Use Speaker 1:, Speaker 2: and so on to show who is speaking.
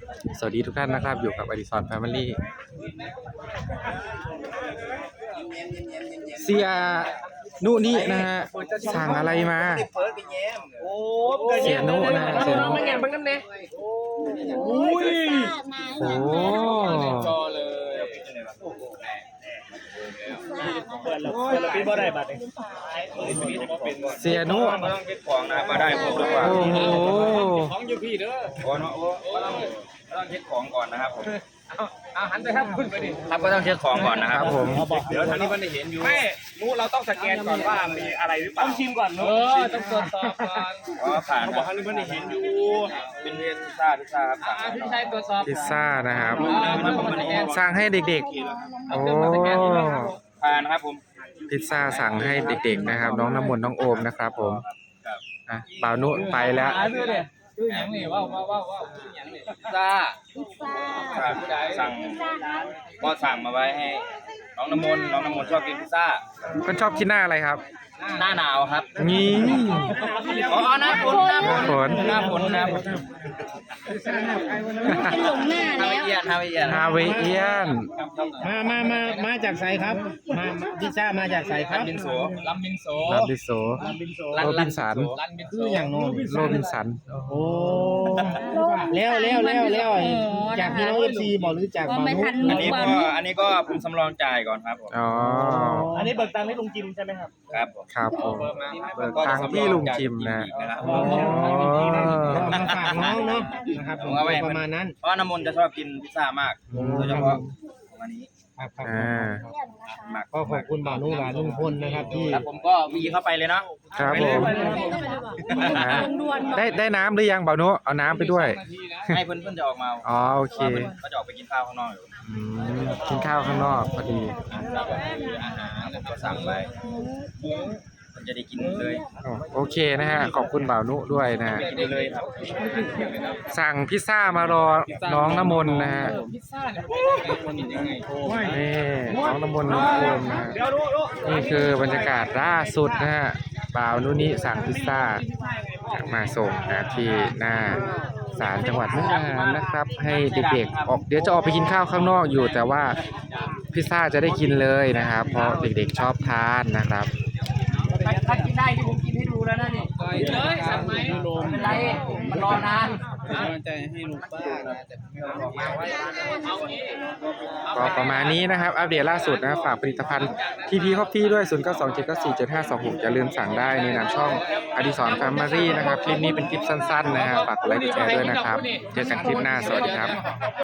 Speaker 1: สวัสดีทุกท่านนะครับอยู่กับอดิศรแฟมิลี่เสียนุนี่นะฮะสั่งอะไรมาเสียนุนะเสียนุโอ้เสียนุ
Speaker 2: ต้องเก็บของนะมาได้ผมดีกว่า
Speaker 1: โอ้โห
Speaker 2: ของอยู่พี่เด้อโอ้เนาะต้องเช็คของก่อนนะครับผมเอาหันไปครับขึ้นไปดิครับก็ต้องเช็คของก่อนนะครับ
Speaker 1: ผม
Speaker 2: เดี๋ยวทางนี้มันได้เห็นอยู่ไม่รู้เราต้องสแกนก่อนว่ามีอะไรหรือเปล่าต้องชิมก่อนเนาะต้องตรวจสอบก่อนอ๋อผ่านเขาบอกทางนี้มันได้เห็นอยู่เป็นพิซซ่าครับพี่ชายตรวจสอบ
Speaker 1: พิซซ่านะครับสั่งให้เด็กๆโอ้
Speaker 2: ผ่านนะครับผม
Speaker 1: พิซซ่าสั่งให้เด็กๆนะครับน้องน้ำมนต์น้องโอมนะครับผมบ่าวนุไปแล้ว
Speaker 2: ชื่ออย่างนี้ว้าวพิซซ่าสั่งก็สั่งมาไว้ให้น้องน้ำมนต์ชอบกินพิซซ่า
Speaker 1: คนชอบกินหน้าอะไรครับ
Speaker 2: หน้าหนาวครับ
Speaker 1: นี่
Speaker 2: อ๋อหน้าฝน
Speaker 1: ครับ
Speaker 3: เป็นหลงหน้าแล้ว
Speaker 1: ฮาวายเอียน
Speaker 4: มาจากไสครับมาพิซซ่ามาจากไสครับ
Speaker 2: ลำบินโส
Speaker 1: โรบินสัน
Speaker 4: คืออย่างโน้น
Speaker 1: โรบินสัน
Speaker 4: โอ้แล้วจากพี่น้องFCบอกหรือจากบานุ
Speaker 2: อันนี้ก็ผมสำรองจ่ายก่อนครับผม
Speaker 1: อ๋อ
Speaker 4: อันนี้เบิกตังค์ให้ลุงจิมใช่ไหมครับ
Speaker 1: ครับผมเบิกตังค์ที่ลุงจิมนะ
Speaker 4: มาฝากน้องเนาะนะครับผมประมาณนั้น
Speaker 2: เพราะน้ำมนต์จะชอบกินพิซซ่ามากโดยเฉพาะวันนี้
Speaker 4: ก็ขอบคุณบ่าวนุ่งหลานลุงพลนะครับที่
Speaker 2: แล้วผมก็วีเข้าไปเลยเนาะ
Speaker 1: ครับผมได้น้ำหรือยังบ่าวนุ่งเอาน้ำไปด้วย
Speaker 2: ให้เพื่อนจะออกมา
Speaker 1: อ๋อโอเค
Speaker 2: ก็จะออกไปกินข้าวข้างนอกอยู่
Speaker 1: กินข้าวข้างนอกพอดี
Speaker 2: อาหารผมก็สั่งไว้มันจะได้กินเลย
Speaker 1: โอเคนะฮะขอบคุณบ่าวนุด้วยนะฮะ
Speaker 2: เลยครับ
Speaker 1: สั่งพิซซ่ามารอน้องน้ำมนต์นะฮะนี่น้องน้ำมนต์น้องโอมนะนี่คือบรรยากาศล่าสุดนะฮะบ่าวนุนี่สั่งพิซซ่ามาส่งนะที่หน้าศาลจังหวัดมุกดาหารนะครับให้เด็กๆออกเดี๋ยวจะออกไปกินข้าวข้างนอกอยู่แต่ว่าพิซซ่าจะได้กินเลยนะครับเพราะเด็กๆชอบทานนะครับ
Speaker 2: ถ้ากินได้ที่ผมกินให้ดูแล้วนะนี่เลยสั่งไหมไม่เป็นไรมันรอนานใจให้ลุงป้า
Speaker 1: ก็ประมาณนี้นะครับอัปเดตล่าสุดนะฝากผลิตภัณฑ์ทีพีคอฟฟี่ด้วย0927947526อย่าลืมสั่งได้ในนามช่องอดิศรแฟมิลี่นะครับคลิปนี้เป็นคลิปสั้นๆนะครับฝากกดไลค์กดแชร์ด้วยนะครับเจอกันคลิปหน้าสวัสดีครับ